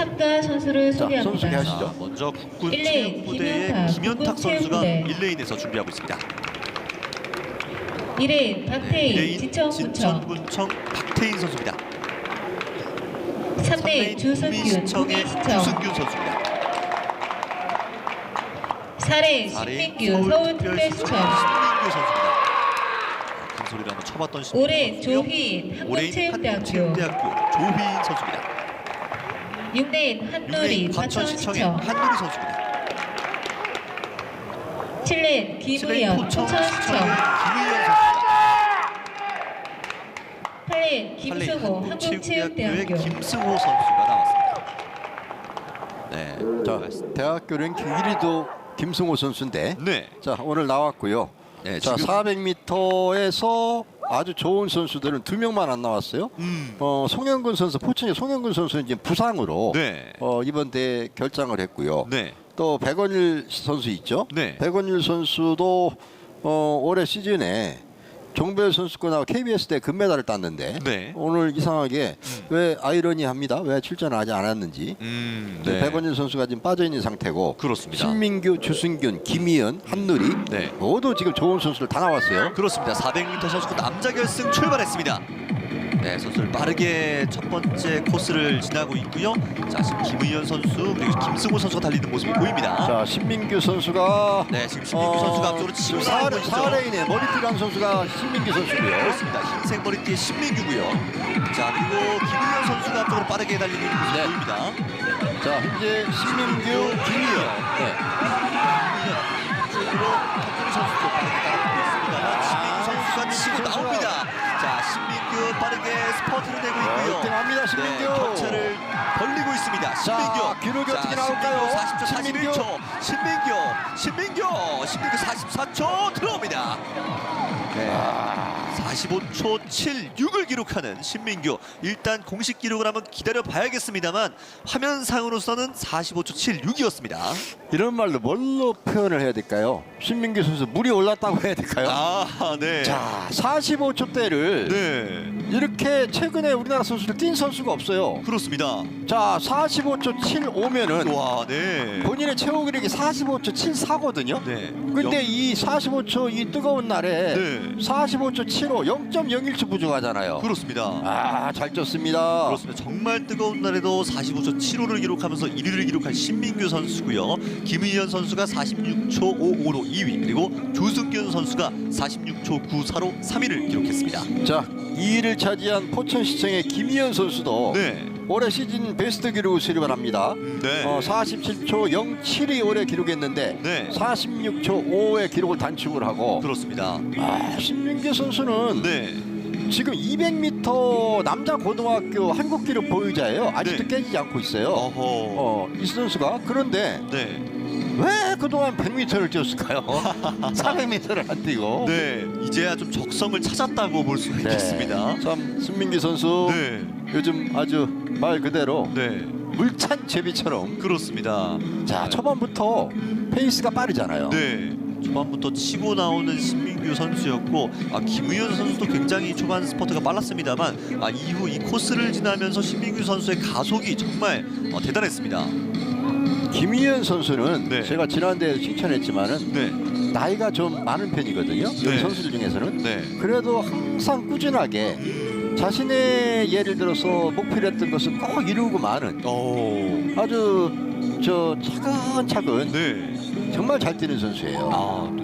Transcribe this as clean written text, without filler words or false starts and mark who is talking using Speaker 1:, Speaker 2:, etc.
Speaker 1: 참가 선수를
Speaker 2: 자,
Speaker 1: 소개합니다.
Speaker 2: 선수 소개하시죠.
Speaker 3: 자, 먼저 국군
Speaker 1: 1레인
Speaker 3: 체육부대의
Speaker 1: 김연탁,
Speaker 3: 김연탁 선수가
Speaker 1: 국군체육부대.
Speaker 3: 1레인에서 준비하고 있습니다.
Speaker 1: 2레인 박태인
Speaker 3: 1레인
Speaker 1: 지천군청,
Speaker 3: 진천군청 박태인 선수입니다.
Speaker 1: 3레인 주승균
Speaker 3: 구미시청의
Speaker 1: 구미시청,
Speaker 3: 주승균 선수입니다.
Speaker 1: 4레인
Speaker 3: 4레인
Speaker 1: 신민규 서울특별시청,
Speaker 3: 신민규 선수입니다. 큰 소리로 한번 쳐봤던 신민규
Speaker 1: 5레인
Speaker 3: 선수고요.
Speaker 1: 조희인
Speaker 3: 5레인
Speaker 1: 한국체육대학교,
Speaker 3: 한국체육대학교 조희인 선수입니다.
Speaker 1: 6레인 한누리
Speaker 3: 6레인 과천시청의
Speaker 1: 과천시청,
Speaker 3: 한누리 선수입니다.
Speaker 1: 7레인
Speaker 3: 7레인
Speaker 1: 김의연
Speaker 3: 포천시청의
Speaker 1: 포천시청,
Speaker 3: 김의연 선수입니다.
Speaker 1: 8레인
Speaker 3: 8레인
Speaker 1: 김승호
Speaker 3: 한국체육대학교의
Speaker 1: 한국체육대학교,
Speaker 3: 김승호 선수가 나왔습니다. 네,
Speaker 2: 자, 대학교 랭킹 1위도 김승호 선수인데
Speaker 3: 네,
Speaker 2: 자, 오늘 나왔고요.
Speaker 3: 네,
Speaker 2: 자,
Speaker 3: 지금
Speaker 2: 400m에서 아주 좋은 선수들은 2명만 안 나왔어요.
Speaker 3: 음,
Speaker 2: 송영근 선수, 포천의 송영근 선수는 지금 부상으로
Speaker 3: 네,
Speaker 2: 이번 대회 결장을 했고요.
Speaker 3: 네,
Speaker 2: 또 백원일 선수 있죠.
Speaker 3: 네.
Speaker 2: 백원일 선수도 올해 시즌에 종별 선수권하고 KBS 대 금메달을 땄는데
Speaker 3: 네.
Speaker 2: 오늘 이상하게 왜 아이러니합니다. 왜 출전을 하지 않았는지.
Speaker 3: 네.
Speaker 2: 백원일 선수가 지금 빠져 있는 상태고
Speaker 3: 그렇습니다.
Speaker 2: 신민규, 주승균, 김희연, 한누리
Speaker 3: 네.
Speaker 2: 모두 지금 좋은 선수들 다 나왔어요.
Speaker 3: 그렇습니다. 400m 선수권 남자 결승 출발했습니다. 네, 선수들 빠르게 첫 번째 코스를 지나고 있고요. 자, 지금 김의연 선수 그리고 김승호 선수가 달리는 모습이 보입니다.
Speaker 2: 자, 신민규 선수가
Speaker 3: 네, 지금 신민규 선수가 앞쪽으로 치고 나오고 있죠.
Speaker 2: 4레인에 머리띠란 선수가 신민규 선수고요.
Speaker 3: 그렇습니다. 흰색 머리띠의 신민규고요. 자, 그리고 김의연 선수가 앞쪽으로 빠르게 달리는 모습이
Speaker 2: 네.
Speaker 3: 보입니다.
Speaker 2: 자, 현재 신민규, 김희연. 네.
Speaker 3: 쪽으로 박근혜 선수도 빠르게 따라가고 있습니다만 신민규 선수가 치고 나옵니다. 자, 신민규 빠르게 스퍼트를 내고 있고요.
Speaker 2: 1등합니다, 신민규.
Speaker 3: 네, 격차를 벌리고 있습니다. 신민규.
Speaker 2: 자, 기록이 어떻게 나올까요?
Speaker 3: 40초,
Speaker 2: 신민규.
Speaker 3: 41초. 신민규 44초 들어옵니다. 네. 45초 76을 기록하는 신민규. 일단 공식 기록을 한번 기다려 봐야겠습니다만 화면상으로서는 45초 76이었습니다.
Speaker 2: 이런 말로 뭘로 표현을 해야 될까요? 신민규 선수 물이 올랐다고 해야 될까요?
Speaker 3: 아, 네.
Speaker 2: 자, 45초대를
Speaker 3: 네.
Speaker 2: 이렇게 최근에 우리나라 선수들 뛴 선수가 없어요.
Speaker 3: 그렇습니다.
Speaker 2: 자, 45초 75면은
Speaker 3: 와, 네.
Speaker 2: 본인의 최고 기록이 45초 74거든요.
Speaker 3: 네.
Speaker 2: 근데 이 45초 이 뜨거운 날에
Speaker 3: 네.
Speaker 2: 45초 75 0.01초 부족하잖아요.
Speaker 3: 그렇습니다.
Speaker 2: 아, 잘 쪘습니다.
Speaker 3: 그렇습니다. 정말 뜨거운 날에도 45초 75를 기록하면서 1위를 기록한 신민규 선수고요. 김의연 선수가 46초 55로 2위, 그리고 조승균 선수가 46초 94로 3위를 기록했습니다.
Speaker 2: 자, 2위를 차지한 포천시청의 김희연 선수도
Speaker 3: 네.
Speaker 2: 올해 시즌 베스트 기록을 수립을 합니다.
Speaker 3: 네.
Speaker 2: 47초 07이 올해 기록했는데
Speaker 3: 네.
Speaker 2: 46초 5의 기록을 단축을 하고
Speaker 3: 그렇습니다.
Speaker 2: 신민규 선수는
Speaker 3: 네.
Speaker 2: 지금 200m 남자 고등학교 한국 기록 보유자예요. 아직도
Speaker 3: 네.
Speaker 2: 깨지지 않고 있어요.
Speaker 3: 어허.
Speaker 2: 이 선수가. 그런데
Speaker 3: 네.
Speaker 2: 왜 그동안 100m를 뛰었을까요? 400m를 안 뛰고.
Speaker 3: 네. 이제야 좀 적성을 찾았다고 볼 수 있겠습니다.
Speaker 2: 참 신민규 선수
Speaker 3: 네.
Speaker 2: 요즘 아주 말 그대로
Speaker 3: 네.
Speaker 2: 물찬 제비처럼.
Speaker 3: 그렇습니다.
Speaker 2: 자, 초반부터 페이스가 빠르잖아요.
Speaker 3: 네. 초반부터 치고 나오는 신민규 선수였고, 김의연 선수도 굉장히 초반 스퍼트가 빨랐습니다만 이후 이 코스를 지나면서 신민규 선수의 가속이 정말 대단했습니다.
Speaker 2: 김희연 선수는
Speaker 3: 네.
Speaker 2: 제가 지난대에 칭찬했지만은
Speaker 3: 네.
Speaker 2: 나이가 좀 많은 편이거든요.
Speaker 3: 네.
Speaker 2: 여기 선수들 중에서는.
Speaker 3: 네.
Speaker 2: 그래도 항상 꾸준하게 자신의 예를 들어서 목표로 했던 것을 꼭 이루고 마는 아주 차근차근
Speaker 3: 네.
Speaker 2: 정말 잘 뛰는 선수예요.